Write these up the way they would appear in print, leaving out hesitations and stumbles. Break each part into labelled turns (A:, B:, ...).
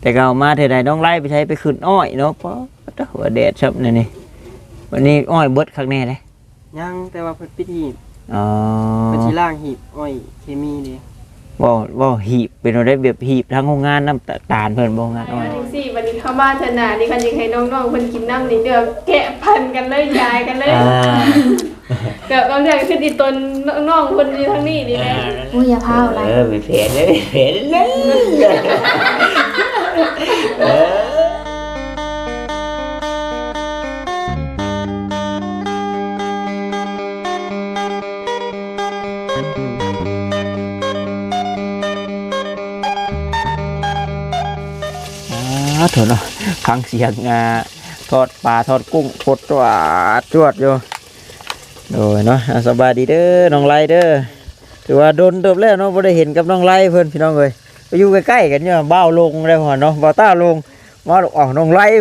A: แต่ก็เอามาเท่าใดน้องไล่ไปใช้ไปขึ้นอ้อยเนาะเพราะหัวแดดซับนี่วันนี้อ้อยเบิดคักแน่เลย
B: ยังแต่ว่าเพิ่นปิดหีบ
A: อ๋อ
B: เพิ่นสิล้างหีบอ้อยเคมีนี่
A: บ่หีบเป็นได้แบบหีบทั้งโรงงานน้ำตาลเพิ่นบ่งานอ้อย
C: จังซี่วันนี้เข้าบ้านเถอะน่ะนี่คันอยากให้น้องๆเพิ่นกินน้ำนี่เด้อแกะพันกันเลยยายกันเลยก็บางเรื่องคืออีตนน้องๆเพิ่นอยู่ทางนี้นี่แหละ
D: อุ้ยอย่าพาอะไร
A: ไปเผ็ดเลยเผ็ดเลยเถอะเนาะฟังเสียงทอดปลาทอดกุ้งปดจวดอยู่โดยเนาะสบายดีเด้อน้องไล่เด้อถือว่าโดนเติบแล้วเนาะบ่ได้เห็นกับน้องไล่เพิ่นพี่น้องเอ้ยไปอยู่ใกล้ๆกันเนี่ยบ้าวลงได้พอเนาะบ่าวต้าลงมาออกน้องไล่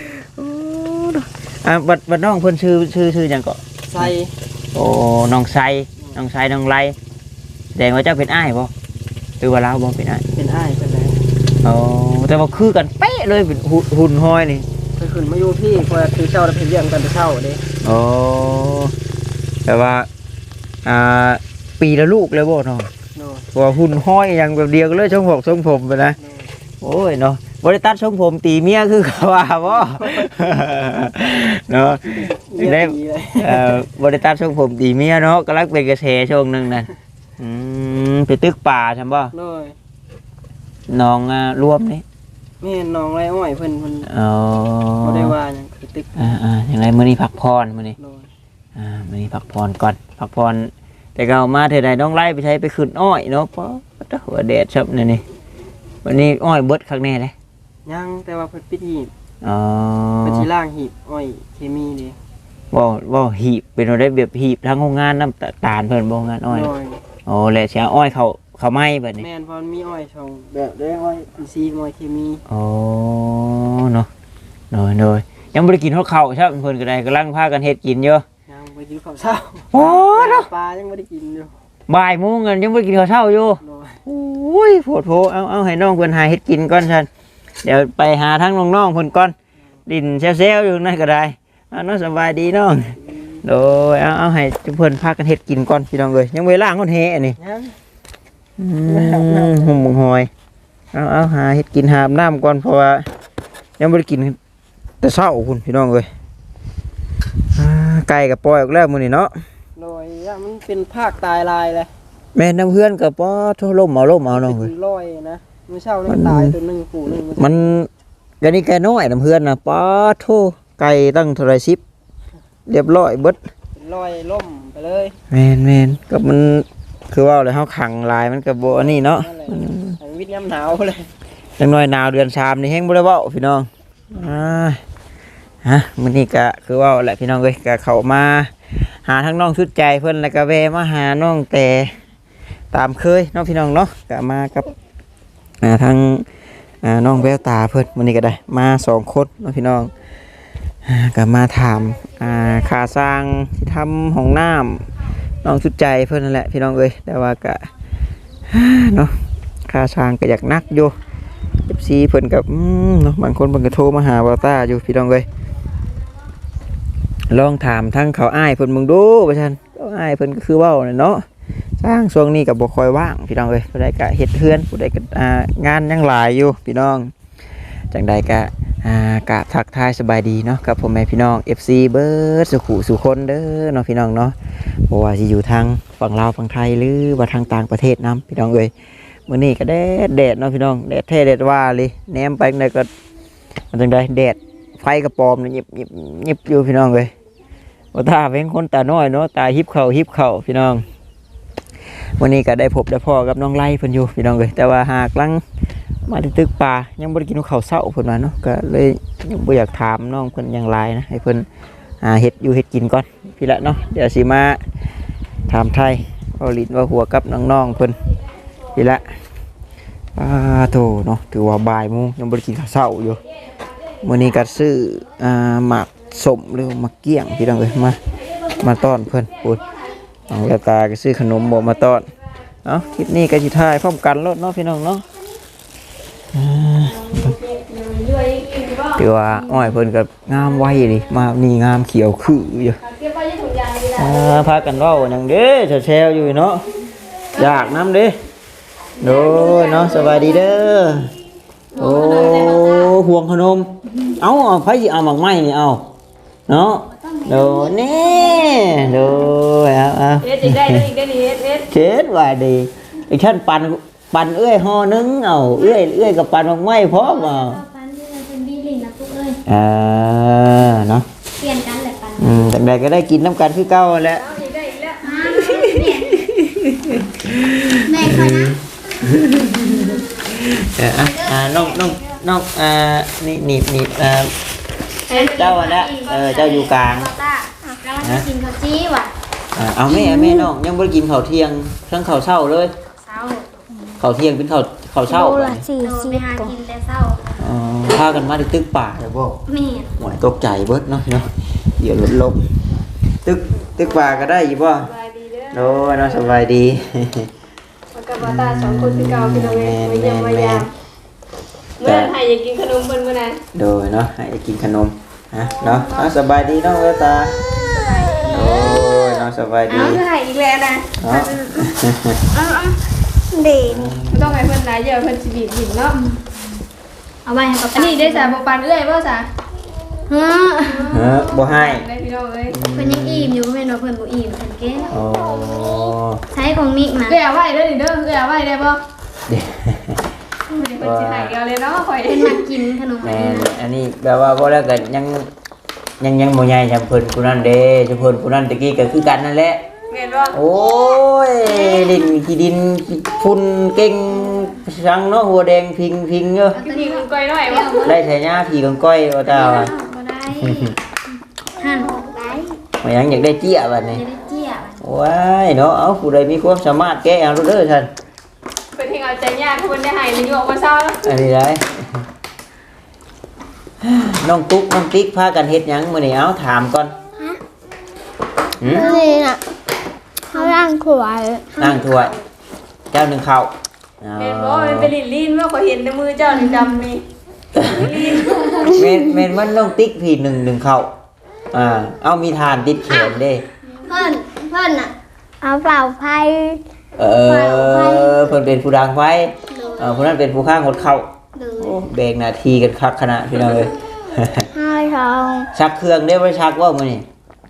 A: บัดน้องเพิ่นชื่อหยังก็
B: ใส่
A: โอ้น้องไซน้องไล่แสดงว่าเจ้าเป็นอ้ายบ่หรือว่าเราบ่เป็นอ้าย
B: เป็นอ้ายเพิ่นแหละ
A: อ๋อแต่ว่าคือกันเป๊ะเลยเป็นหุ่นห้อยนี่
B: เพิ่นขึ้นมาอยู่พี่เพราะคือเจ้าได้เพิ่นเลี้ยงกันแต่เช้าเด้
A: อ๋อแต่ว่าปีละลูกเลยบ่เนาะว่าหุ่นห้อยอย่างแบบเดียวกันเลยทรงผมไปนะโอ้ยเนาะบริตัดทรงผมตีเมียคือเขาว่าบ่เนาะได้บริตัดทรงผมตีเมียเนาะกำลังเป็นกระแสช่วงนึงนั่นไปตึกป่าใช่บ่น้องรวมนี่
B: แม่น้องไรอ้อยเพิ่น
A: อ๋อ
B: บ่ได้ว่าหยังคือตึก
A: อย่างไรมื้อนี้พักผ่อนมื้อนี้มื้อนี้พักผ่อนก่อนพักผ่อนแต่ก็เอามาเท่าใดน้องไล่ไปใช้ไปขึ้นอ้อยเนาะเพราะหัวแดดซับนี่วันนี้อ้อยเบิดคักแน่เลย
B: ยังแต่ว่าเพิ่นปิดหีบ
A: อ๋อ
B: เพิ่นสิล้างหีบอ้อยเคมีนี่
A: บ่หีบเป็นได้แบบหีบทั้งโรงงานน้ำตาลเพิ่นบ่งานอ้อยโอ้แล้วสิอ้อยเขาไหม้บัดนี้
B: แม่นเพราะมีอ้อยช่องแบบได้อ้อยอินทรีย์อ้อยเคมี
A: อ๋อเนาะโดยยังบ่ได้กินข้าวใช่เพิ่นก็ได้กำลังพากันเฮ็ดกินอยู่
B: ยังบ่กินข้าวเช้า
A: โอ้เนาะ
B: ปลายังบ่ได้กินอยู่
A: บ่ายโมงกันยังบ่ได้กินข้าวเช้าอยู่โอ้ยโผเอาให้น้องเพิ่นหาเฮ็ดกินก่อนซั่นเดี๋ยวไปหาทั้งน้องๆเพิ่นก่อนดินแซวๆอยู่นั่นก็ได้เนาะสบายดีน้องโดยเอาให้เพิ่นพากันเฮ็ดกินก่อนพี่น้องเอ้ยยังเวลาคนแห่นี่หุ่มหอยเอาหาเฮ็ดกินหาน้ำก่อนเพราะว่ายังไม่ได้กินแต่เช้าคุณพี่น้องเลยไก่กับปล่อยออกแล้วมื้อนี้เนาะ
B: โดยมันเป็นภาคตายลายเลย
A: แม่น้ำเพื่อนกับป้อทุ่ล่มเอาน้องเลย
B: ลอยนะมื้อเช้านี่ตายตัวนึงปู่นึง
A: มันกะนี่แกน้อยน้ำเพื่อนนะป้อทุ่ไก่ตั้งเท่าไร10เรียบร้อยเบิด
B: ลอยล่มไปเลย
A: แม่นกับมันคือว่าเลยเฮาขังลายมันกับโบอันนี้เนาะ
B: วิทย์ยามหนาวเลย
A: จังน้อยหนาวเดือน3นี่แห้งบ่ได้เว้าพี่น้องมื้อนี้ก็คือว่าแหละพี่น้องเอ้ยก็เข้ามาหาทั้งน้องชุดใจเพิ่นแล้วก็แวะมาหาน้องแต่ตามเคยน้องพี่น้องเนาะก็มากับทั้งน้องแววตาเพิ่นมื้อนี้ก็ได้มา2คนน้องพี่น้องก็มาถามค่าสร้างที่ทำห้องน้ำน้องชุดใจเพิ่นนั่นแหละพี่น้องเอ้ยแต่ว่าก็เนาะค่าช้างก็อยากนักอยู่FCเพิ่นกับเนาะบางคนเพิ่นก็โทรมาหาบ่าวต้าอยู่พี่น้องเอ้ยลองถามทั้งเขาอ้ายเพิ่นมึงดูว่าซั่นเขาอ้ายเพิ่นก็คือเว้าเนาะสร้างช่วงนี้ก็บ่ค่อยว่างพี่น้องเอ้ยผู้ใดก็เฮ็ดเฮือนผู้ใดก็งานยังหลายอยู่พี่น้องจังใดก็กะทักทายสบายดีเนาะกับพ่อแม่พี่น้อง FC เบิร์ดสุคนเด้อเนาะพี่น้องเนาะบ่ว่าสิอยู่ทางฝั่งลาวฝั่งไทยหรือว่าทางต่างประเทศนํพี่น้องเอ้ยมื้อนี้ก็แดดเนาะพี่น้องแดดแท้แดดว่าเลยแนมไปไหนก็มันจังได๋แดดไฟกระปอมนี่ยิบอยู่พี่น้องเอ้ยบ่ตาเป็นคนตาน้อยเนาะตาหิบเข้าพี่น้องวันนี้ก็ได้พบได้พ่อกับน้องไล่เพิ่นอยู่พี่น้องเอ้ยแต่ว่าหากลังมาตึกป่ายังบ่ได้กินข้าวเช้าเพิ่นว่าเนาะก็เลยยังบ่อยากถามน้องเพิ่นอย่างไรนะให้เพิ่นเฮ็ดอยู่เฮ็ดกินก่อนพี่ละเนาะเดี๋ยวสิมาถามไทยเอาลิ้นว่าหัวกับน้องๆเพิ่นพี่ละโธ่เนาะถือว่าบ่ายโมงยังบ่ได้กินข้าวเช้าอยู่มื้อนี้ก็ซื้อหมากสมหรือหมากเกี้ยงพี่น้องเอ้ยมาต้อนเพิ่นพูดน้องแววตาก็ซื้อขนมบ่มาต้อนคลิปนี้ก็สิถ่ายพร้อมกันรถเนาะพี่น้องเนาะ
C: เรื่อยๆอีกบ่
A: ถือว่าอ้อยเพิ่นก็งามไว้ดิมานี่งามเขียวคืออยู่
C: เก็บไว้ในถุงยางนี่แหละ
A: พากันเว้าหยังเด้แซวๆอยู่เนาะอยากนำเด้โดยเนาะสบายดีเด้อโอ้ห่วงขนมเอาไผสิเอาหมักไม้นี่เอาเนาะโดนี่โดเอา
C: เอ็ดอีกได้เลยอีกได้นี่เอ็ด
A: เช็ดว่าดีอีกท่านปั่นเอื้อยห่อนึงเอาเอื้อยกับปั่นหมักไม้พร้อมเอา
D: ปันที่เราเป็นบีลินนะปุ๊กเอ้ย
A: เนาะ
D: เปลี่ยนกันแหละปัน
A: แต่ใดก็ได้กินน้ำกันคือเก่าแหละ
C: เอาอีกได้อีกแล้ว
D: แม่คอยนะ
A: น้องนี่เจ้าอ่ะนะเจ้าอยู่กลาง
D: ต้าแล้วมันจะกินข้าวจี้ว่ะ
A: เอาแม่น้องยังไม่ได้กินข้าวเที่ยงทั้งข้าวเช้าเลย
D: เช้า
A: ข้าวเที่ยงเป็นข้าวเช้า
D: โลละ4 ไปหากินแต่เช้า
A: พากันมาที่ตึกป่าเลยบ่
D: แม่
A: หวยตกใจเบิดเนาะเดี๋ยวลดลมตึกป่าก็ได้อยู่บ่
C: สบายดีเด้อ
A: โอ้น้องสบายดี
C: มันกับตาสองคนคือเก่าพี่น้องเอ้ยมาเยี่ยมมายามเมื่อไทยอยากกินขนมเพิ่นมื้อนั้น
A: โดยเนาะให้กินขนมเนาะสบายดีน้องเวตาโอ้ยน้องสบายดี
C: เอาคือให้อีกแล้วนะ
A: เนาะ
D: เด่น
C: บ่ต้องให้เพิ่นหลายเยอะเพิ่นสิบีบหินเนาะ
D: เอาไว้ให้ป๊า
C: อันนี้ได้สาบ่ปานเอื้อยบ่ซะ
D: เฮ้อ
A: บ่ให้
C: ได้พี่น้องเอ้ย
D: เพิ่นยังอิ่มอยู่แม่นว่าเพิ่นบ่อิ่มเพิ่นเก้
A: โอ้
D: ใช้ของนิกนะ
C: เอื้อยเอาไว้เด้อนี่เด้อเอื้อยเอาไว้ได้บ่
A: เดี๋ยว
C: เพิ่นสิให้เอาเลยเนาะข่อย
D: เพิ่นมากินขนม
A: แม่
D: อันนี้นะ
A: อันนี้แบบว่าบ่แล้วก็ยังบ่ใหญ่จำเพิ่นผู้นั้นเด้จำเพิ่นผู้นั้นตะกี้ก็คือกันนั่นแหละ
C: แม่นบ่
A: โอ้ยขี้ดินฝุ่นเก่งสังเนาะหัวแดงพิงเด้อ
C: พี่นี่คุณก้อยน้อยบ่
A: ได้ใช้หญ้าผีกังก้อยว่าตาว่า
D: บ่ได้หั่นได้
A: มายังอยากได้เจี้ยบัดนี้
D: จะได้เจี้ย
A: ว้ายเนาะเอาผู้ใดมีความสามารถแก้เอาเด้อท่าน
C: เพิ่นเฮงเอาใจยากเพิ่นได้ให้นี่อยู่ออกมาเช้าแล้ว
A: อันนี้ได้น้องตุ๊กน้องติ๊กพากันเฮ็ดหยังมื้อนี้เอาถามก่อนหืม
D: นี่น่ะเขาล้างขวด
A: นั่งถ้วยเจ้าหนึ่งข้าวเอา
C: แม่นบ่มันเป็นลิ้นๆว่าข่อยเห็นในมือเจ้านี่ดำนี่
A: เมนมันน้องติ๊กพี่หนึ่งข้าวเอามีทานติดแขนเด้
D: เพิ่นน่ะเอาเปล่าไฟ
A: เพิ่นเป็นผู้ดังไว้ผู้นั้นเป็นผู้ข้างหดเข้า
D: เลย
A: โอ้แบ่งหน้าที่กันคักขนาดพี่น้องเอ้ย
D: ให้ทอง
A: ชักเครื่องได้บ่ชักว่ามื้อนี้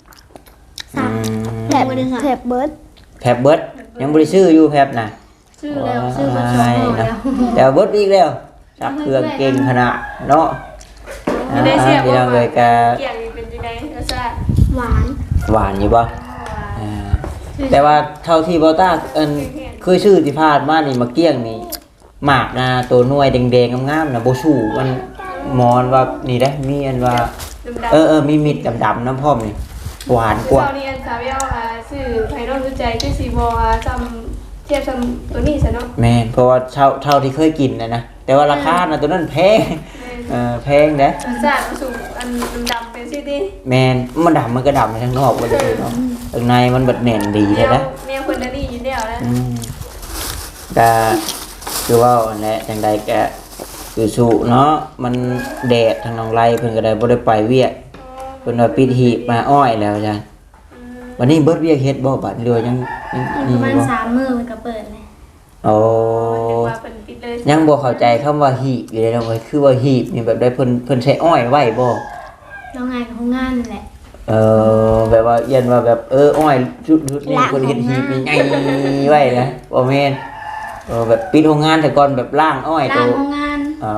D: แถบแถบเบิร์ด
A: แผบเบิดยังบ่ได้ซื้ออยู่แผบน่ะ
C: ชื่อแล้ว
D: ซื้อมาสองห่อแล้ว
A: แต่เบิดอีกแล้วชักเครื่องเก่งขนาดเนาะ
C: ไม่ได้เสีย
A: พี่น้องเอ้ยก็
C: เกี่ยงนี่เป็นจังได๋รสชาติ
D: หวาน
A: หวานอยู่บ่แต่ว่าเท่าที่บ่ต้าเคยซื้อที่พาดมานี่มาเกี้ยงนี่หมากนะตัวหน่วยแดงๆงามๆน่ะบ่สู้มันมอนว่านี่ได้มีอันว่า
C: ดำๆ
A: มีมิดดำๆน้ำพร้อมนี่หวานกว่า
C: เจ้านี่อันสาวเยาชื่อไผนอกรู้ใจคือสิบ่ซ้ำเทียบซ้ำตัวนี้ซะเนาะ
A: แม่นเพราะว่าเท่าที่เคยกินนะแต่ว่าราคาน่ะตัวนั้นแพงแพงเด้
C: รสชาติมันสูงอันดำๆเป็นสิติ
A: แม่นมันดำมันก็ดำไปทางนอกบ่ได้เนาะข้างในมันบัดแน่นดี
C: แน
A: แท้
C: ว
A: นะ
C: แนวคนนั้นนี่อยู่แล้วนะ
A: ก็คือว่าอันแหละจังใดก็คือสู้เนาะมันแดดทางน้องไรเพิ่นก็ได้บ่ได้ไปเวียกเพิ่นว่าปิดหีบมาอ้อยแล้วจ้ะวันนี้เบิดเวียกเฮ็ดบ่บัดเรือยัง
D: ประ
A: นี่
D: มาณ
A: บ่
D: 3 มื้อมันก็เปิดเลย
A: โอ้
C: นึกว่าเพิ่นปิดเลย
A: ยังบ่เข้าใจคำว่าหีบอยู่เลยเนาะเว้ยคือว่าหีบนี่แบบได้เพิ่นใช้อ้อยไว้บ่
D: แล้วงานของงานนั่นแหละ
A: แบบว่าเอียนว่าแบบอ้อยชุดนี้เพิ่นเฮ็ดหีบใหญ่ไว้นะบ่แม่นแบบปิดโรงงานแต่ก่อนแบบล่างอ้อย
D: ร้านของงาน
A: อ๋อ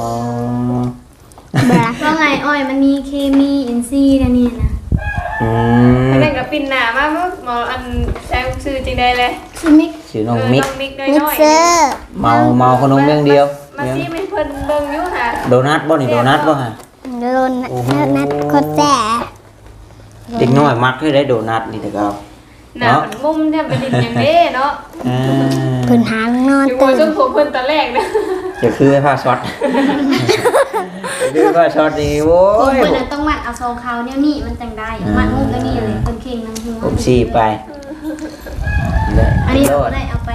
D: เพราะไงอ้อยมันมีเคมีอินทรีย์แล้วนี่นะ
C: แล้วแม่งก็ปิ่นหน้ามาหมออันแซงชื่อจริงได้เลย
D: ชิมิก
A: ชื่อน้องมิก
C: น้องมิกน้อยๆ
A: เมาขนมอย่างเดียว
C: มาซิไม่เพิ่นเบิ่งอยู่ค่ะ
A: โดนัทบ่นี่โดนัทบ่ฮะ
D: โดนนัดโคตรแจ๋
A: เด็กน้อยมักให้ได้โดนัทนี่แต่ก็
C: หน้ามันมุมแทบเป็นดินอย่างเด้เนาะ
D: เพิ่นหางนอน
C: อยู่บนช่วงผมเพิ่นตอนแรกนะ
A: จะคือให้ผ้าช็อตคือผ้าช็อตนี่โว้
D: ผม
A: ย
D: เพิ่นน่ะต้องมัดเอาซองเขาเนี่ยนี่มันจังได้มัดมุกแล้วนี่เลยเพิ่นเข่งนำหัว
A: ผมสีไป
D: อันนี้
A: โล
D: เรา
A: ด
D: ได้เอาไปน้ำเพราะว่า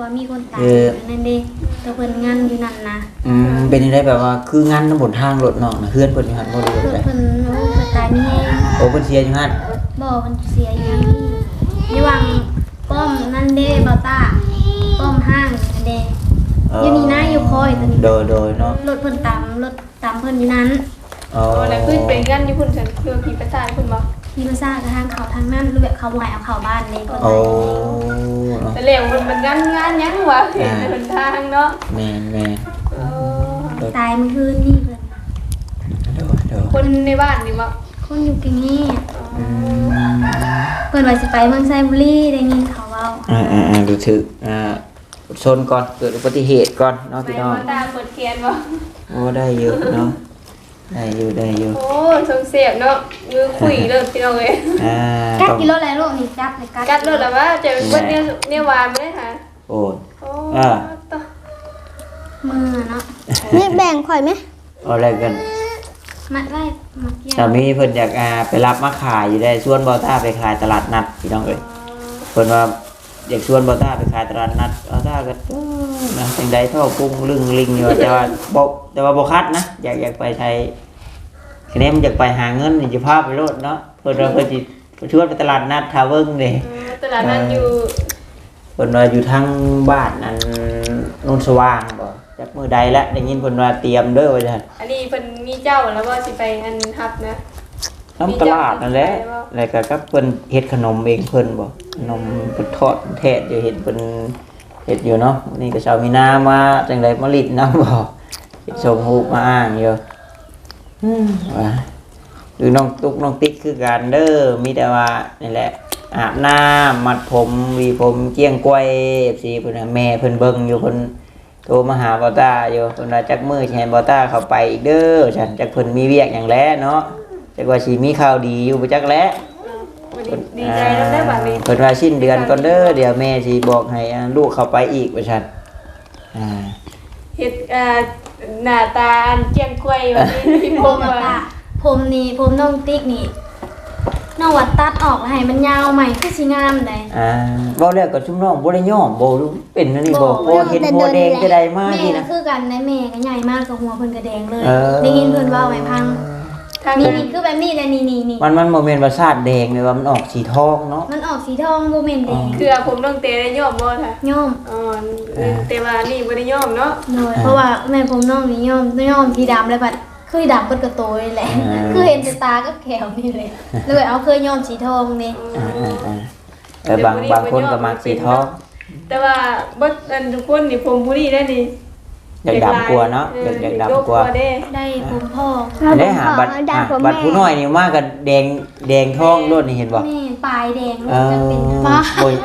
D: ว่ามีคนตายนั่นเด้แต่เพิ่นงานอยู่นั่นนะ
A: เป็นจังไดแบบว่าคืองานน้ำบนทางรถน้องน่ะเฮือนเพิ่นอยู่หั่นบ่รู้
D: เพิ่น
A: ได้
D: เพิ่นโอ้เพิ่นตายนี่แฮง
A: โอ้เพิ่นเสียอยู่หั่น
D: บ่เพิ่นเสียอยู่นี่วางป้อมนั่นเด้บ่าวต้าป้อมห้างนั่นเด้อยู่นี่นะอยู่คอยตัวนี้
A: โดยเนาะ
D: รถเพิ่นตามเพิ่นอยู่นั้น
A: อ๋อ
C: โอ้แล้วขึ้นไปกันอยู่พุ่นซั่นคือผีประสาทพุ่นบ่
D: มีมาซ่ากระทางเขาทางนั้นรูปแบบเขาบ่ให้เอาเข้าบ้านเลยเพิ่น
A: โอ้
C: แต่แล้วมันงานหยังวะเห็นในหนทางเนาะ
A: แม่น
C: เออ
D: ตายเมื่อคืนนี่เพิ่น
A: โดย
C: คนในบ้านนี่บ่
D: คนอยู่กรุงเทพ
A: อืม
D: เพิ่นว่าสิไปเมืองไซบุรีได้ยินเขาเว้า
A: รู้สึกชนก่อนเกิดอุบัติเหตุก่อนเนาะ
C: ไป
A: พี่น้อง
C: บ่ตาเปิดเทียนบ่
A: โอ้ได้เยอะเนาะได้อยู่
C: โอ้สงเสียบเนาะมือคุยเลยพี่น้องเอ้ย
D: กัด
A: ต้อง
D: กิโลแล้วลูกนี่จับเลยกัด
C: กัดเลยล่ะว่าจะเป็นคนเนี่ยวานบ่ได้ค่ะ
A: โอ้
C: โอ้
A: อ่า
D: มือเนาะ
E: นี่แบ่งข่อยไหม
A: อะไรกัน
D: มัดไว้มัดเกี่ยว
A: สามีเพิ่นอยากไปรับมาขายอยู่ได้ชวนบอต้าไปขายตลาดนัดพี่น้องเอ้ยเพิ่นว่าอยากชวนบอต้าไปขายตลาดนัดบอต้าก็นะจังใดท่อกุ้งลึงลิงอยู่แต่ว่าบ่คัดนะอยากไปไทยคะแนนมันอยากไปหาเงินนี่จะพาไปโลดเนาะเพิ่นว่าเพิ่นสิชวนไปตลาดนัดทาเวิงนี่
C: ตลาดนั้นอยู่
A: เพิ่นว่าอยู่ทางบ้านนั้นโนนสว่างบ่จักมื้อใดแล้วได้ยินเพิ่นว่าเตรียมเด้อว่าซั่น
C: อันนี้เพิ่นมีเจ้าแล้วว่าสิไปอันฮับนะ
A: น้ำตลาดนั่นแหละแล้วก็กับเพิ่นเฮ็ดขนมเองเพิ่นบ่ขนมเพิ่นทอดแท้อยู่เห็นเพิ่นเฮ็ดอยู่เนาะนี่ก็ชาวมีนามาจังได๋มาลิดน้ำบ่เฮ็ดส่งรูปมาอ้างอยู่ว่าหรือน้องตุ๊กน้องติ๊กคือกันเด้อมีแต่ว่านี่แหละอาบน้ำมัดผมหวีผมเกี้ยงกล้วย FC เพิ่นน่ะแม่เพิ่นเบิ่งอยู่เพิ่นโทรมาหาบอต้าอยู่เพิ่นว่าจักมื้อสิให้บอต้าเข้าไปอีกเด้อฉันจักเพิ่นมีเวียกหยังแลเนาะจักว่าสิมีข่าวดีอยู่บ่จักแล
C: ดีใจแล้วได้บัดนี้
A: เพิ่นว่าสิ้นเดือนก่อนเด้อเดี๋ยวแม่สิบอกให้ลูกเข้าไปอีกว่าซั่น
C: เฮ็ดหน้าตาอันเจียงกล้วยวันนี้พี่
D: ผ
C: พ
D: ม
C: ง
D: แบบ
C: ว่า
D: ว่าผมนี่ผมน้องติ๊กนี่น้องวัดตัดออกแล้วให้มันยาวใหม่คือสิงามได้
A: เว้าแล้วก็ชุมน้องบ่ได้ยอมบ่รู้เป็นอันนี้บ่เห็นโบแดงจะได้มา
D: แม่
A: นี่
D: ก็
A: นะ
D: คือกันได้แม่ก็ใหญ่มากกับหัวเพิ่นก็แดงเลย
A: เออ
D: ได้ยินเพิ่นเว้าไว้พัง
C: ทาง
D: นี่คือแบบนี้เลยนี่
A: มันบ่แม่นว่าชาติแดงเลยว่ามันออกสีทองเนาะ
D: มันออกสีทองบ่แม่นแดง
C: เกลือผมต้องเตะได้ย่อมบ่ค่ะ
D: ย่อม
C: อ๋อแต่ว่านี่บ่ได้ย่อมเนาะ
D: โดยเพราะว่าแม่ผมน้องนี่ย่อมสีดำเลยบัดคือดำเปิดกระโตยแหละคือเห็นแต่ตาก็แขวนี่เลยเลยเอาเคยย่อมสีทองนี่
A: บางคนก็มักสีทอง
C: แต่ว่าบ่อันทุกคนนี่ผมผู้นี้ได้นี่
A: อยากดำกว่าเนาะอยากดำกว่า
C: เด้
D: ได้ผมพ่อ
A: ได้หาบัตรผู้น้อยนี่มากันแดงทองโลดนี่เห็นบ่
D: แม่ปลายแดง
A: เอ
D: จะเป็น
A: อโอ้ย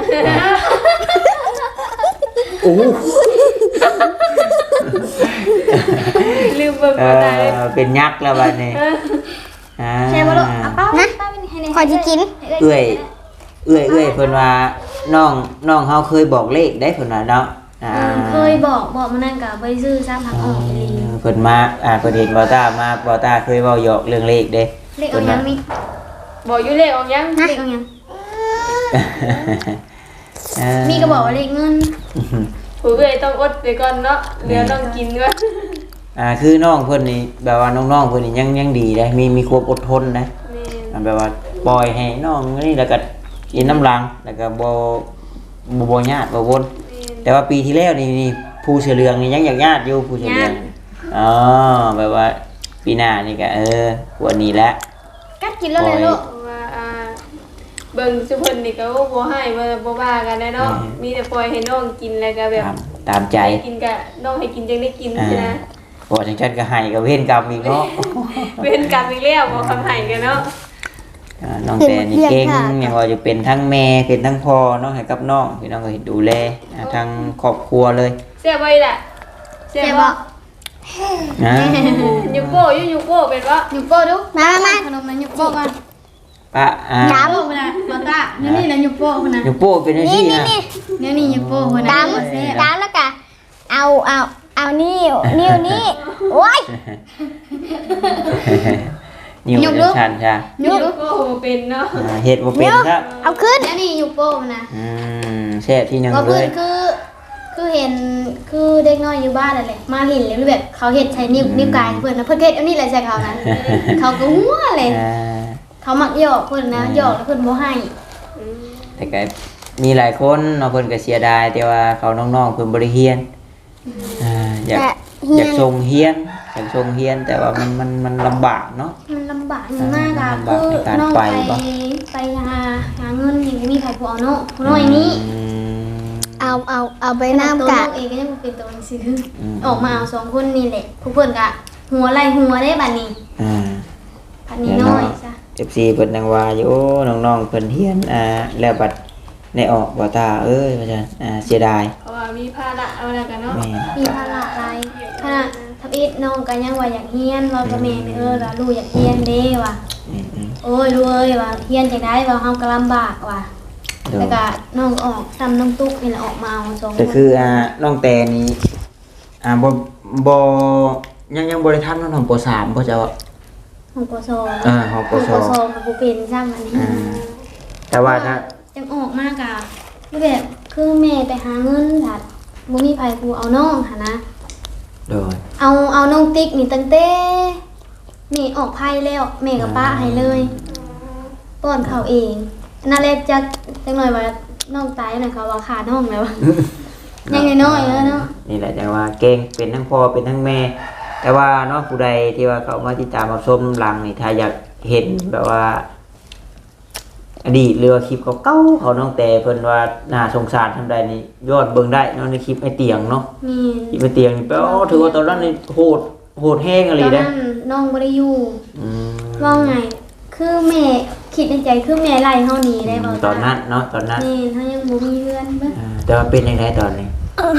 A: โอ้
C: ลืมเบิ่งบ่ได้เลย
A: เป็นยักษ์แล้วบัดนี้
D: ใช่บ่ลูกเอาป้าป้าเป็นให้
E: ขอจะกิน
A: เอื้อยเพิ่นว่าน้องเฮาเคยบอกเลขได้เพิ่นว่าเนาะ
D: เคยบอกมานั่นกับใบซื้อซ้ำผักออกไปเลย
A: เพิ่นมาเพิ่นเห็นบ่ต้ามาบ่ต้าเคยเว้าหยอกเรื่องเลขเด้
D: เลขเอายังนี่
C: บอกอยู่เลขออกยัง
D: เลขเอายังมีก็บอกว่าเลขเงิน
C: ผู้เอ้ยต้องอดไปก่อนเนาะเดี๋ยวต้องกินก่อน
A: คือน้องเพิ่นนี่แบบว่าน้องๆเพิ่นนี่ยังดีนะมีความอดทนนะ
C: นี่
A: แบบว่าปล่อยให้น้องนี่แล้วก็กินน้ำรังแล้วก็บ่ญาติบ่วนแต่ว่าปีที่แล้วนี่ผู้เสือเหลืองนี่ยังอยากญาติอยู่ผู้เสือเหลืองอ๋อแบบว่าปีหน้านี่ก็วันนี้แหละ
D: กัดกินแล้วเลยลูก
C: ว่าเบิ่งสุเพิ่นนี่ก็บ่ให้บ่ว่ากันได้เนาะมีแต่ปล่อยให้น้องกินแล้วก็แบบ
A: ตามใจ
C: กินก็น้องให้กินจังได้กินใช่นะ
A: บ่จังซั่นก็ให้ก็เว้นกรรมอีกเนาะ
C: เว้นกรรมอีกแล้วบ่คำให้กันเนาะ
A: น้องแต่นี่เก่งอย่างว่าจะเป็นทั้งแม่เป็นทั้งพ่อเนาะให้กับน้องพี่น้องก็ดูแลทั้งครอบครัวเลย
C: แซ่บบ่ล่ะแซ่บบ่
A: นะ
C: ยูโก้ยูโก้เป็นบ่
D: หยุดโป้ดู
E: มา
D: ขนมนั้นหยุดโป้ก่อน
A: ปะ
D: โป้คนน่ะมาตานี่นะหยุดโป้คนน่ะ
A: อยู่โป้เป็นจังซี่นะ
D: นี่หยุดโป้คนน่ะ
E: ดำแล้วก็เอานิ้วนี่โอ้ย
A: นิ้วชันจ้ะ
C: ยูโก้เป็นเนาะ
A: เฮ็ดบ่เป็นครับ
E: เอาขึ้น
D: นี่หยุดโป้คนน่ะ
A: แซ่บที่หนึง
D: ก็
A: เล
D: เพื่อน
A: ย
D: คือคือเห็นคือเด็กน้อยอยู่บ้านนั่นแหละมาเห็นเลยแบบเขาเฮ็ดใช้นิ้วกายเพิ่นนะเพิ่นเฮ็ดอันนี้แหละใส่เขานั้นเขาก็หัวเลย เขามักหยอกเพิ่นนะหยอกแล้วเพิ่นบ่ให้
A: แต่ก็มีหลายคนเนาะเพิ่นก็เสียดายแต่ว่าเขาน้องๆเพิ่นบ่ได้เรียนอยาก
E: แต่เฮี
A: อย ยาน กส่งเรียนอยากส่งเรียนแต่ว่ามันลำบากเนาะ
D: มันลำบากมากอะ
A: ลำบาก
D: คือ
A: ในการ
D: น้อง
A: ไป
D: ไป
A: ปะ
D: ไปหาเงินนี่มีใครพอเนาะน้อยนี้
E: เอาไปน้ำ
D: ตัว
E: กะ
D: ลูกเองก็ยังบ่เป็นตัวหนังสือออกมาเอาสองคนนี่แหละผู้เพิ่นก็หัวไหล่หัวได้บัดนี้
A: อ่า
D: บัดนี้น้อยจ้ะ
A: FC เพิ่นนังว่าอยู่น้องๆเพิ่นเรียนแล้วบัดในออกบ่ตาเอ้ยว่าซั่นเสียดาย
C: เพราะว่ามีภาระเอาแล้วกันเนาะ
A: แม่น
D: มีภาระอะไรขณะทับอิดน้องก็ยังว่าอยากเฮียนเราก็แม่แล้วลูกอยากเฮียนเด้ว่ะ โอ้ยลูกเอ้ยว่าเฮียนจังได๋ว่าเฮาก็ลำบากว่ะ
A: โดย
D: แล้วก็น้องออกซ้ำน้องตุ๊กนี่แหละออกมาเอาสองค
A: ก็
D: น
A: คือน้องแต่นี่ยังบ่ได้ทันน้องป .3 บ่เจ้า
D: ของปส
A: ของป
D: ของ
A: ส
D: ปสกับบ่เป็นซ้ํอันนี้
A: แต่ว่าถ้า
D: จังออกมากะแบบคือแม่ไปหาเงินค่ะบ่มีไผกูเอาน้องหั่นนะ
A: โดย
D: เอาน้องติ๊กนี่ตั้งแต่แม่ออกไผแล้วแม่กับป้าให้เลยป้อนข้าวเองนั่นแหละจังหน่อยว่าน้องตายน่ะเขาว่าขาน้องแล้ว ยังน้อยๆแล้วเนาะ
A: นี่แหละจังว่าเก่งเป็นทั้งพ่อเป็นทั้งแม่ แต่ว่าเนาะผู้ใดที่ว่าเขามาติดตามรับชมหลังนี่ถ้าอยากเห็นแบบว่า อดีตหรือว่าคลิปเก่าๆเขาน้องแต่เพิ่นว่าน่าสงสารทำใดนี่ยอดเบิ่งได้เนาะในคลิปไอ้เตียงเนาะ
D: มี
A: คลิปไอ้เตียงนี่แปลว่าถือว่าตอนนั้นนี่โหดแห้งอะไร
D: ตอน
A: เด้
D: นั้นน้องบ่ได้อยู่
A: อืม
D: ว่าไง คือแม่คิดในใจคือแม่ไล่เฮาหนีได้บ่
A: ตอนนั้นเนาะตอนนั้น
D: นี่เฮายังบ่มีเพื่อนเบิ่ง
A: แต่ว่าเป็นยังไงตอนนี้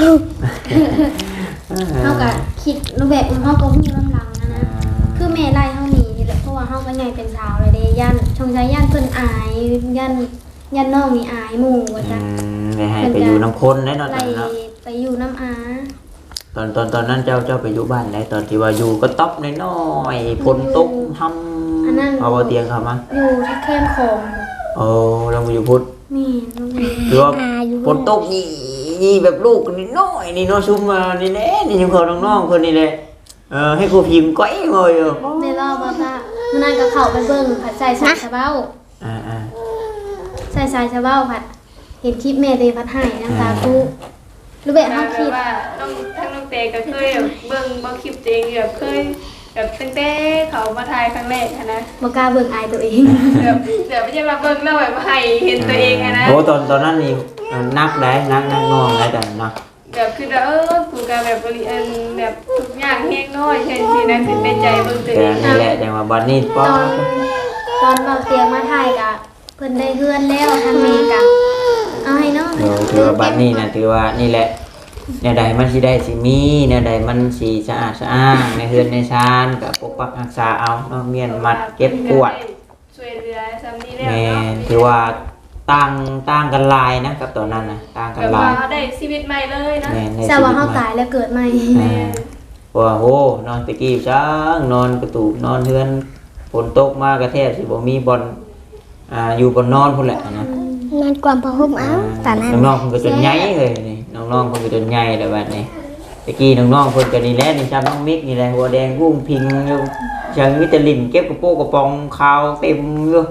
D: เฮาก็คิดรูปแบบเฮาก็ฮู้ลำหลังนะคือแม่ไล่เฮาหนีนี่แหละเพราะว่าเฮาก็ใหญ่เป็นสาวแล้วเด้ย่านชงใจย่านเพิ่นอายย่านน้องนี่อายหมู่ว่าจ้ะ
A: ไม่ให้ไปอยู่น้ำคนแน่นอน
D: ไล่
A: เนาะ
D: ไปอยู่น้ำอา
A: ตอนนั้นเจ้าไปอยู่บ้านไหนตอนที่ว่าอยู่ก็ต๊อบน้อยๆฝนตกทำเอาเตียงเขามา
D: อยู่ที่แคมป์ของ
A: โอ้เราไปอยู่พุทธ
D: นี่น้องนี่
A: คือว่าฝนตกนี่แบบลูกนี่น้อยนี่น้องซุ่มมานี่แน่นี่ยังเขาน้องๆคนนี้เลยให้ครูพิมพ์ก้อยงอยอยู่
D: แม่เล่าบ่ว่ามื้อนั้นก็เข้าไปเบิ่งผัดใส่สายชะเบ้า ใส่สายชะเบ้าผัด เห็นคลิปแม่เตผัดให้น้ำตาตู้รู้แบบเฮาคิด
C: ว่าทั้งน้องเตก็เคยแบบเบิ่งคลิปตัวเองแบบเคยแบบตั้งแต่เขามาถ่ายครั้งแรกอะนะ
D: บ่กล้าเบิ่งอายตัวเอง
C: แบบไม่ใช่มาเบิ่งแล้วแบบให้เห็นตัวเองอะนะ
A: โอ้ตอนนั้นนี่นักได้นักน้องได้แต่นัก
C: แบบคือผูกกับแบบบริเวณแบบทุกอย่างเฮงน้อยเช่นสินะถึงในใจเบิ่งตัว
A: แต่
C: เอง
A: นี่แหละแต่ว่าบัดนี้ป้อ
D: ตอนเราเตียงมาถ่ายกะเพิ่นได้เฮือนแล้วทางแม่กะเอาให้น้อง
A: ถือว่าบัดนี้นะถือว่านี่แหละแนวใดมันสิได้สิมีแนวใดมันสิสะอาดสะอ้างในเฮือนในชานกับปกปักรักษาเอาเนาะเมียนมัดเก็บกวาด
C: ช่วยเหลือซ้ำนี้แล้ว
A: แม่
C: เนาะ
A: ถือว่าต่างกันหลายนะกับตอนนั้นนะต่างกัน
C: แบบ
A: หลา
C: ว่าย ได้ชีวิตใหม่เลยนะ
A: แม่ใน
D: แต่
A: ชีวิ
D: ว่า
A: ต
D: เฮา
A: ใหม่
D: ตายแล้วเกิดใหม่
A: ว่าโหนอนตะกี้จ้างนอนกระตูกนอนเฮือนฝนตกมากระแทกสิบ่มีบอลอยู่บนนอนพุ่นแหละนะ
E: นอนกวามพะห่มเอาตอนนั้น
A: น้องๆเพิ่นก็จนใหญ่เลยนี่น้องๆเพิ่นก็จนใหญ่แล้วบัดนี้ตะกี้น้องๆเพิ่นก็นี่แหละนี่ชาน้องมิกนี่แหละหัวแดงกุ้งพิงอยู่จังมีแต่ลิ้นเก็บกระโปงกระปองขาวเต็มอยู่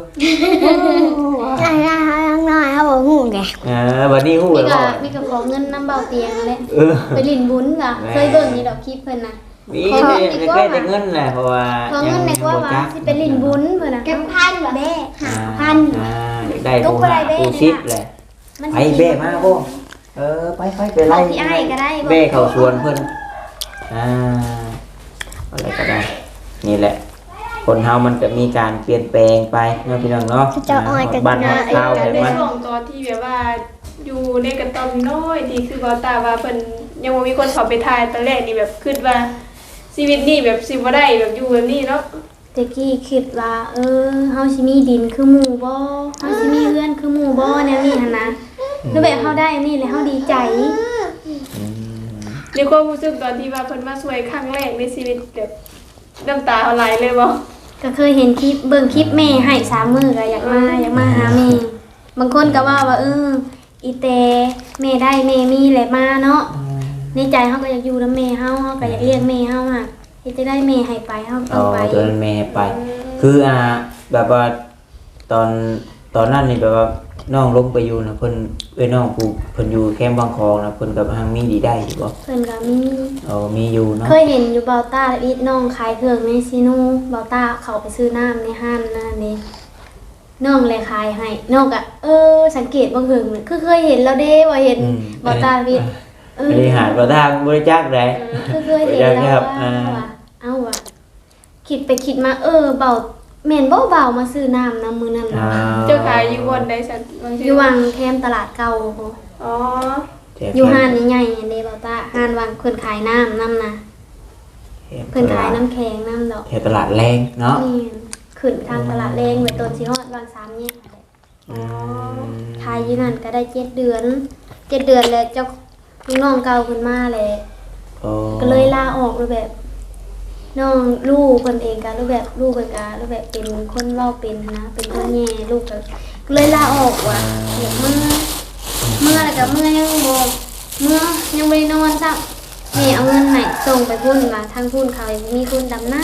E: น้อยเขาบอกหูแก
A: บัดนี้ฮู้
D: มี
A: แล้ว
D: ก็
A: ว่า
D: มีก็ขอเงินน้ำเบาเตียงนั่นแหละ
A: เออ
D: ไปลิ้นบุญกะเคยเบิ่งนี่ดอกคลิปเพิ่นน่ะ
A: มีแต่แค่แต่เงินแหละเพราะว่า
D: ขอเงินในกว่าว่าสิไปลิ้นบุญเพิ่นน่ะ
E: เก็บพันแม่
A: พันอยากได้ผู้หาผู้ชิดแหละไปเบ้มาบ่ไปไปไล่
D: พี่อ้ายก็ได้
A: เบ้เข้าสวนเพิ่นอะไรก็ได้นี่แหละคนเฮามันจะมีการเปลี่ยนแปลงไปเนาะพี่น้องเนาะบ้านเฮาข้าว
C: การ
A: เห็น
C: ได้
A: มั้ย
C: ช่วงตอนที่แบบว่าอยู่ในกระต๊อบน้อยที่คือบ่ตาว่าเพิ่นยังบ่มีคนเข้าไปถ่ายตอนแรกนี่แบบคิดว่าชีวิตนี่แบบสิบ่ได้แบบอยู่แบบนี้เนาะ
D: ตะกี้คิดว่าเฮาสิมีดินคือหมู่บ่เฮาสิมีเรือนคือหมู่บ่แนวนี้หั่นนะแล้วแบบเฮาได้อันนี่แล้วเฮาดีใจ
C: ในความรู้สึกตอนที่ว่าเพิ่นมาช่วยครั้งแรกในชีวิตแบบน้ำตาเอาไหลเลยบ่
D: ก็เคยเห็นคลิปเบิ่งคลิปแม่ให้3มื้อก็อยากมาหาแม่บางคนก็ว่าอีเตแม่ได้แม่มีแหละมาเนาะในใจเฮาก็อยากอยู่นำแม่เฮาก็อยากเลี้ยงแม่เฮาอ่ะเฮ็ดจะได้แม่ให้ไปเฮาต้
A: อ๋
D: อง
A: อ
D: ไป
A: ตัวนั้นแม่ไป คือแบบว่าตอนนั้นนี่แบบว่าน้องลงไปอยู่นะเพิ่นน้องผู้เพิ่นอยู่แคมป์บางคองนะเพิ่นกับทางมีดีได้อยู่บ่
D: เพิ่นก็มี
A: อ๋อมีอยู่เนาะ
D: เคยเห็นอยู่เบาต้าอีทน้องขายเครื่องในซีโนูเบาต้าเขาไปซื้อน้ำในห้างนั่นนี่น้องเลยขายให้น้องก็สังเกตบางเหิงคือเคยเห็นแล้วเด้ว่าเห็นเบาต้าวิทย์
A: บริหารประทางบริจาคได้
D: คือเคยเห็นแล้วว่าเอาว่ะคิดไปคิดมาเบาแม่นบ่เบามาซื้อน้ำมือนั่น
C: เจ้าขายอยู่บนใดสันบาง
D: อ
C: ที
D: ยู่วังแคมตลาดเก่า
C: อ๋อ
D: อยู่ห้านใหญ่ๆเด้เบาต้าห้านวังเพิ่นขายน้ำนะเพิ่นขายน้ำแข็งน้ำดอก
A: แถวตลาดแรงเนาะ
D: นี่ขึ้นทางตลาดแรงไว้ต้นสิฮอดวัง3เนี่ยขายอยู่นั่นก็ได้7 เดือน7 เดือนแล้วเจ้าลูกน้องเก่าเพิ่นมาแหละ
A: โอ้
D: ก็เลยลาออกเลยแบบน้องลูกคนเองกันรูปแบบลูกเป็นการรูปแบบเป็นคนเล่าเป็นนะเป็นคนแย่ลูกก็เลยลาออกว่ะเดี๋ยวเมื่ออะไรกับเมื่อยังบอกเมื่อยังไม่ได้นอนซ้ำแม่เอาเงินไหนส่งไปพุ่นมาทางพุ่นเขามีคุณดำหน้า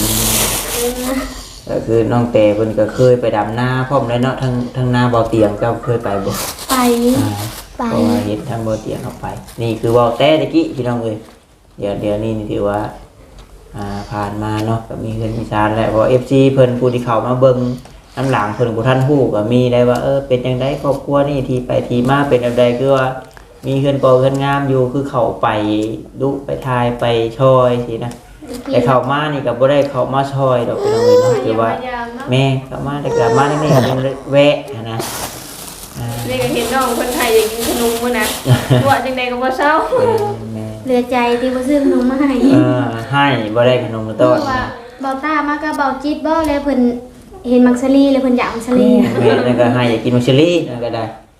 A: ก็คือน้องแต่เพิ่นก็เคยไปดำนาพร้อมเลยเนาะทางนาบ่อเตียงเจ้าเคยไปบ่
D: ไป
E: ไป
A: เพราะว่าเห็นทางบ่อเตียงเข้าไป นี่คือบ่อแต่ตะกี้พี่น้องเอ้ยเดี๋ยวนี้นี่ถือว่าผ่านมาเนาะก็มีเงินมีชาญแล้วเพราะ FC เพิ่นผู้ที่เข้ามาเบิ่งน้ำหลังเพิ่นบ่ทันฮู้ก็มีได้ว่าเป็นจังได๋ครอบครัวนี่ที่ไปที่มาเป็นแบบใดคือว่ามีเงินก่อเงินงามอยู่คือเข้าไปดุไปทายไปช่วยสินะแต่เข้ามานี่ก็บ่ได้เข้ามาช่วยดอกพี่น้องเอ้ยเนาะคือว่าแม่เข้ามาแต่ก็มาได้แม่เป็นแวะนะ
C: นี่ก็เห็นน้องคนไทยอยากกินขนมมื้อนะว่าจังไดก็บ่เศร้า
A: แม่
D: เหลือใจที่บ่ซื้อขนมมาให้
A: ให้บ่ได้ขนมมาต้อน
D: ว่าเบาต้ามากก็เบาจิตบ่แล้วเพิ่นเห็นมักซะลีแล้วเพิ่นอยากมักซะลี
A: แม่นั่นก็ให้อยากกินมัชเชอรี่นั่นก็ได้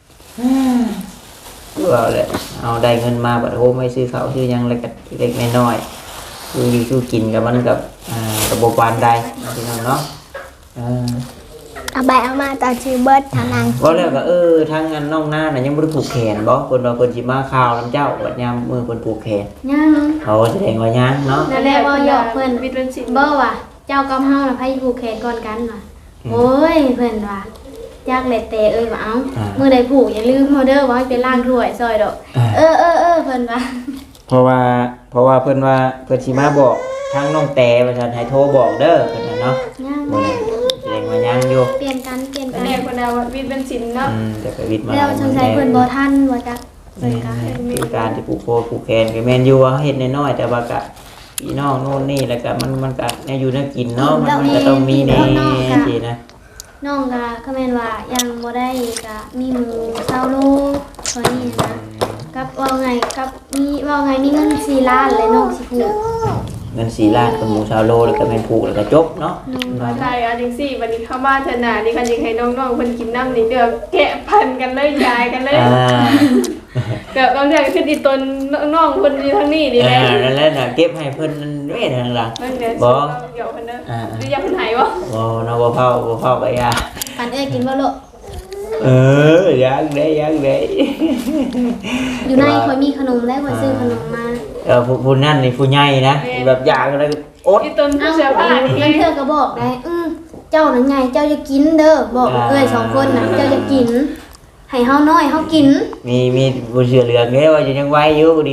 A: ก็เอาแหละเอาได้เงินมาบัดโฮไม่ซื้อข้าวซื้อหยังเล็กๆน้อยๆคืออยู่สู้กินกับมันกับระบบปานใดพี่น้องเนาะ
E: เอาไปเอามาต่อชื่อเบิร์ดทางนาง
A: ก็แล้วก็ทางงานน้องหน้าน่ะยังบ่ได้ผูกแขนบ่เพิ่นว่าเพิ่นสิมาข่าวนํเจ้าบัดยามมื้อเพิ่นผูกแขน
D: ยัง
A: เขาแสดงว่ายังเนาะ
D: นั่นแหละว่าหยอกเพิ่น
C: วิทย์เป็นสิ
D: บ่ว่ะเจ้ากับเฮาน่ะไผผูกแขนก่อนกันว่ะโอ้ยเพิ่นว่าจักแลแต่ว่าเอ้ามื้อใดผูกอย่าลืมเฮาเด้อว่าให้ไปล้างถ้วยซอยดอกเเพิ่นว่า
A: เพราะว่าเพิ่นว่าเพิ่นสิมาบอกทางน้องแต่ว่าซั่นให้โทรบอกเด้อเพิ่นน่ะเนาะ
D: ยัง
A: มื้อนี้แสดงว่ายังอยู่
D: เปลี่ยนกัน
C: แรกคนเอาวิทย์เป็นสินเนาะ
A: แต่ก็วิทย์มา
D: แล้วสงสัยเพิ่นบ่ทันว่าจักเพิ่นก็
A: คือการที่ปลูกโคปลูกแคนก็แม่นอยู่ว่าเฮ็ดน้อยๆแต่ว่าก็พี่น้องโน่นนี่แล้วก็มันก็แนวอยู่แนวกินเนาะมันก็ต้องมีแน่สินะ
D: น้องก็คือแม่นว่ายังบ่ได้ก็มีหมู20โลตัวนี้นะกับว่าไงกับมีเงิน4ล้านเลยน้องสิผูก
A: เงิน4ล้านกับหมูชาวโลแล้วก็แม่นผูกแล้วก็จบเนาะ
C: มาไทยจังซี่วันนี้เข้ามาเถอะน่ะนี่คันยังให้น้องๆเพิ่นกินน้ำนี่เด้อแกะพันกันเลยยายกันเลยแบบบางเรื่องขึ้นอีตนน้องเพิ่นอยู่ทางนี้นี่แหละ
A: นั่นแหละน่ะเก็บให้เพิ่นนั่นเด้ทางหลัง
C: มันเดี๋ยว
A: บ่
C: เดี๋ยวเพิ่นเด้อหรืออยากเพิ่นหายบ่
A: บ่เนาะบ่เผาก็อย่า
D: ปันกินบ่ลูก
A: ยังได้
D: อยู่ในคอยมีขนมแล้วคอยซื้อขนมมา
A: ผู้นั่นนี่ผู้ใหญ่นะแบบอยากอะไรอด
C: อีตนผู้เสื้อผ้านี่
D: เพื่อนก็บอกได้เจ้านั่นไงเจ้าจะกินเด้อบอก2คนน่ะเจ้าจะกินให้เฮาน้อยเฮากิน
A: มีผู้เสือเหลืองเด้ว่าจะยังไว้อยู่ดิ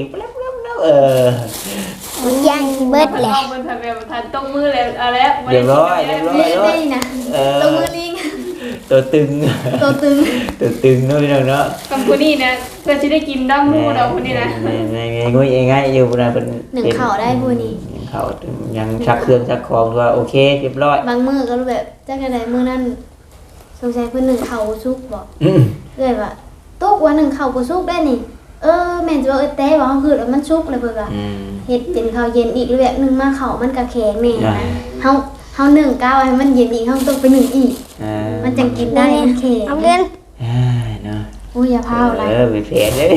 E: มันย่างที่เบิร์ดแหละ
C: เพิ่นทำแบบทันต้องมือแล้วเอาแล้ว
A: เรียบร้อย
D: เละได้นะลงมือลิง
A: ตัวตึง
D: ตัวตึง
A: เนาะพี่น้องเนาะ
C: คำพูนี้นะเพื่อสิได้กินน้ำมูเราคนนี้นะ
A: งุ้ยง่ายอยู่นะเป็น
D: หนึ่งข่าวได้ผู้นี้
A: เขายังชักเครื่องชักของว่าโอเคเรียบร้อย
D: บางมือก็แบบจักได๋มื้อนั้นสงสัยเพิ่นหนึ่งข่าวสุกบอกเลยว่าตุกว่าหนึ่งข่าวบ่สุกได้นี่แม่นสิว่าแต่ว่าเฮาคือแล้วมันสุกแล้วเพิ่นว่าเฮ็ดเป็นข้าวเย็นอีกแบบนึงมาข้าวมันก็แข็งแน่นะเฮานึ่งก้าวให้มันเย็นอีกเฮาต้องไปนึ่งอีกมันจังกินได้แข็ง
E: เอาเงิน
A: เนาะ
D: โอ้ยอย่าพาวอะไร
A: ไปเผ็ดเลย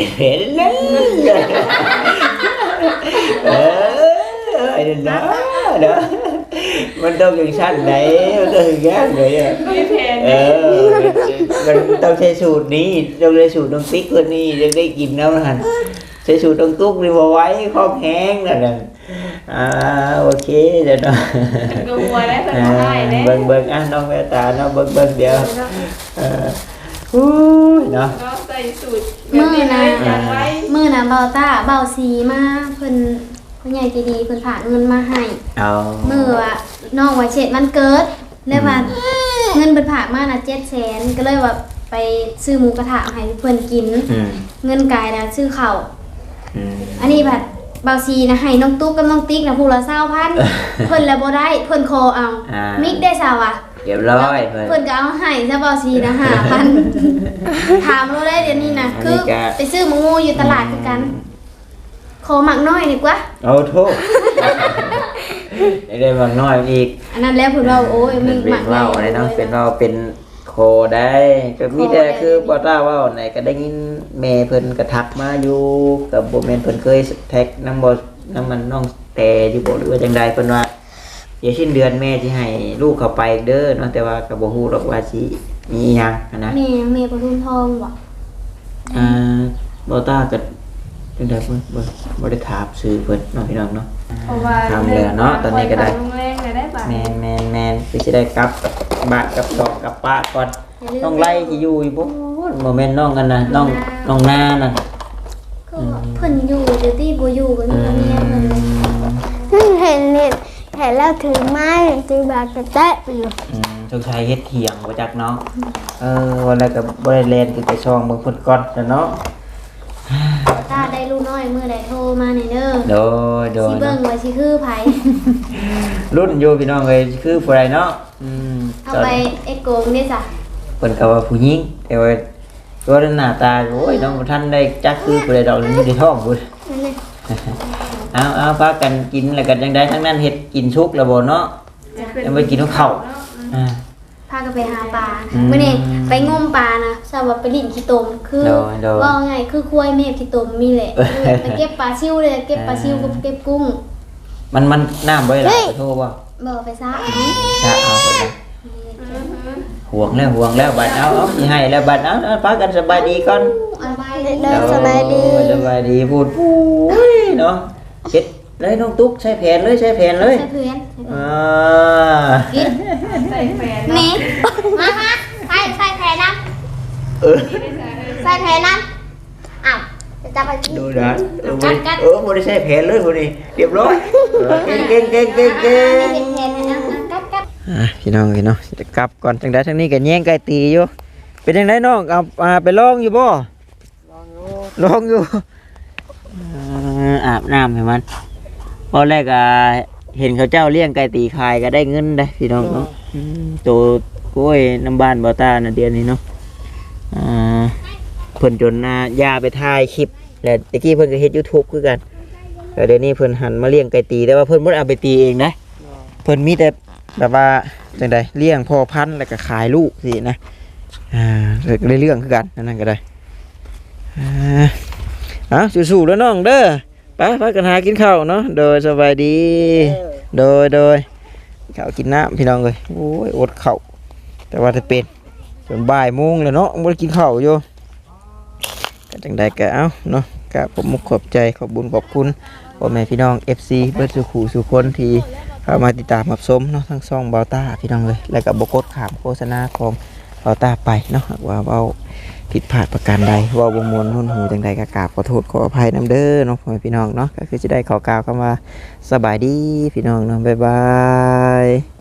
A: ไอ้เด้อมันต้องอย่างชั้นไหนมันต้องอย่างนั้นเลยอ่ะ
C: มีแผน
A: เออมันต้องใช้สูตรนี้ต้องใช้สูตรน้องติ๊กคนนี้จะได้กินแล้วนะใช้สูตรน้องตุ๊กนี่มาไว้ครอบแห้งนั่นน่ะโอเคเดี๋ยวเนาะ
C: กลัวได้เพิ่นบ่ได้เด้
A: เบิ่งอ่ะน้องแววตาเนาะเบิ่งเดี๋ยวอู้ยเนาะ
C: ก็ใส่สูตรแบบนี้เลยจำไว้
D: มื้อน่ะเบาตาเบาสีมาเพิ่นผู้ใหญ่ใจดีเพิ่นฝากเงินมาให้
A: เอา
D: มื้อว่าน้องว่าเช็ดวันเกิดเลยว่าเงินเพิ่นฝากมาน่ะ700,000ก็เลยว่าไปซื้อหมูกระทะให้เพิ่นกิน
A: อืม
D: เงินกายน่ะซื้อข้าว
A: อืม
D: อันนี้บัดเบาซีนะให้น้องตุ๊กกับน้องติ๊กนะผู้ละ20,000เพิ่นแล้วบ่ได้เพิ่นขอเอามิกได้ซะวะ
A: เรียบร้อยเพิ่น
D: เพิ่นก็เอาให้ซะเบาซีนะ5,000ถามเราได้เดี๋ยวนี้นะคือไปซื้อหมูอยู่ตลาดคือกันขอหมักน้อยดีกว่า
A: เอาโทษได้บางน้อยอีก
D: อันนั้นแล้วเพิ่นว่าโอ้ย
A: มั
D: มี
A: น
D: ห
A: เป็
D: มั
A: น
D: ก
A: ว่าวอะไรเนาะเป็นว่าวเป็นโคได้ก็มีแต่คือบ่ต้าว่าวไหนก็ได้ยินแม่เพิ่นกระทักมาอยู่กับบ่แม่นเพิ่นเคยแท็กนำบ่นำมันน้องแต่อยู่บ่หรือว่าจังใดเพิ่นว่าเดี๋ยวสิ้นเดือนแม่สิให้ลูกเข้าไปเด้อเนาะแต่ว่าก็บ่ฮู้หรอกว่าสิมีอีหยังนะ
D: แม่ปทุมทองบ่
A: บ่ต้าก็จังได๋เพิ่นบ่ได้ถามชื่อเพิ่นเนาะพี่น้องเนาะ
C: เพราะว่า
A: ทำเลยเนาะตอนนี้ก็ได้
C: โรงแรมเลยได้ป่ะ
A: แมนคือสิได้กลับบ้านกับดอกกับป้าก่อนน้องไล่สิอยู่อีบ่บ่แม่นน้องกันนะน้องนาน่ะ
D: ก็เพิ่นอยู่เดี๋ยวที่บ่อยู่ก็มีเมียเพิ่นเลย
E: เห็นแล้วถือไม้ถือบาดกระแตะอยู่
A: สงสัยเฮ็ดเถียงบ่จักเนาะวันแรกก็บ่ได้เล่นคือไปช่องเบิ่งเพิ่นก่อนเนาะ
D: ตาได้ลูกน้อยมื้อใดโทรมาให้เด้อ
A: โดย
D: สิเบิ่งว่าสิคือไผ
A: รุ่นอยู่พี่น้องเอ้ยคือผู้ใดเนาะ
D: เอาไปเอ็กโกงนี่จ้ะ
A: เพิ่นก็ว่าผู้หญิงแต่ว่าตัวหน้าตาโอ้ยน้องบ่ทันได้จักคือผู้ใดดอกอยู่ในท้องพุ่น
D: นั่นเลย
A: เอาพากันกินแล้วกันจังได๋ทั้งนั้นเฮ็ดกินชุกแล้วบ่เนาะ ยังไม่กินข้าว
D: พากันไปหาปลามื้อนี้ไปงมปลานะทราบว่าไปลิ้นขี้ตมคือว่าไงคือควายแม่ขี้ตมมีแหละไปเก็บปลาซิวเลยเก็บปลาซิวกับเก็บกุ้ง
A: มันน้ำบ่ได้หลายโทรบ่
D: บ่ไปซะ
A: ถ้าเอาไปเลยห่วงแล้วบัดเอาสิให้แล้วบัดเอาพากันสบายดีก่อน
D: เอาไป
E: เดินสบายดี
A: สบายดีพูดเนาะเฮ็ดเลยน้องตุ๊กใช้แผนเลย
D: ใส่เพื่อน กิน
C: ใส่แฟน
D: นี่มาใส่แผลน้ำใส่แผลน้ำอ้าวจะไปกิน
A: ดูนะบ่ได้ใช้แผนเลยพุ่นนี่เรียบร้อยเก่ง
D: เห็นแผลนะกัด
A: พี่น้องจะกลับก่อนจังได๋ทางนี้ก็แย่งไก่ตีอยู่เป็นจังไดน้องเอาไปลองอยู่บ่ลองอยู่อาบน้ำให้มันพอแรกเห็นเขาเจ้าเลี้ยงไก่ตีขายก็ได้เงินได้พี่น้องเนาะตัวกล้วยน้ำบ้านบ่ตาน่ะเดือนนี้เนาะเพิ่นจนยาไปถ่ายคลิปแล้วตะกี้เพิ่นก็เฮ็ด YouTube คือกันแต่เดี๋ยวนี้เพิ่นหันมาเลี้ยงไก่ตีแต่ว่าเพิ่นบ่ได้เอาไปตีเองนะเพิ่นมีแต่แบบว่าจังไดเลี้ยงพ่อพันธุ์แล้วก็ขายลูกสินะได้เรื่องคือกันนั่นก็ได้สู้ๆแล้วน้องเด้อไปกันหากินข้าวเนาะโดยสบายดีโดยข้าวกินน้ำพี่น้องเลยโอ้ยอดข้าวแต่ว่าจะเป็นจนบ่ายโมงแล้วเนาะไม่ได้กินข้าวอยู่ก็จังใดก็เอาเนาะก็ผมขอบใจขอบบุญขอบคุณพ่อแม่พี่น้อง FC เบิดสุขสุคนที่เข้ามาติดตามรับชมเนาะทั้งช่องเบาต้าพี่น้องเลยแล้วก็บกดขามโฆษณาของเบาต้าไปเนาะว่าเบาผิดพลาดประการใดว่าบ่มวนหุ่นหูจังใดก็กราบขอโทษขออภัยนำเด้อเนาะพ่อแม่พี่น้องเนาะก็คือจะได้ขอกล่าวคำว่าสบายดีพี่น้องเนาะบ๊ายบาย